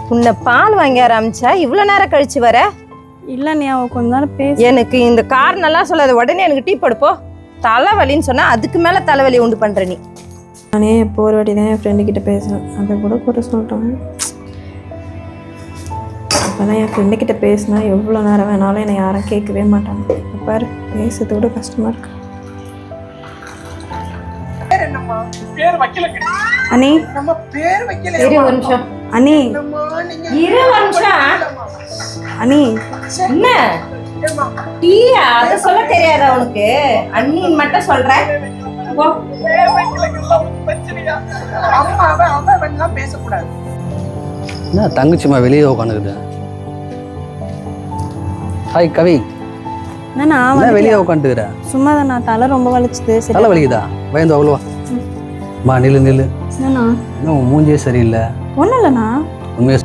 உன்னை பால் வாங்கி ஆரம்பிச்சா இவ்வளோ நேரம் கழிச்சு வர? இல்லை நீ அவ கொஞ்ச நேரம் பேச. எனக்கு இந்த காரணம்லாம் சொல்லாத, உடனே எனக்கு டீ போடுப்போ. தலைவலின்னு சொன்னா அதுக்கு மேல தலைவலி உண்டு பண்ற நீ. நானே இப்போ ஒரு வாட்டி தான் என் ஃப்ரெண்டு கிட்ட பேசினேன். அதை கூட சொல்லிட்டோம். அப்போதான் என் ஃப்ரெண்டு கிட்ட பேசினா எவ்வளோ நேரம் வேணாலும் என்னை யாரும் கேட்கவே மாட்டாங்க. இப்போ பாரு பேசுறது கூட கஷ்டமா இருக்கு. அண்ணி இரு ஒரு நிமிஷம். அண்ணி இரு ஒரு நிமிஷம். அண்ணி என்ன டீயா? அத சொல்ல தெரியாதா உனக்கு? அண்ணின்னு மட்டும் சொல்ற. போ. என்ன தங்கச்சிமா வெளியே உட்காந்துக்குது? ஹாய் கவி, நான் வெளியே உட்காந்துக்கிற? சும்மா தான், நான் தலை ரொம்ப வலிச்சுது. தலை வலிக்குதா? பயந்து அவ்வளோவா? மா நில்லு. என்னண்ணா இன்னும் மூஞ்சியே சரியில்லை. ஒன்றும் இல்லைண்ணா. உண்மையை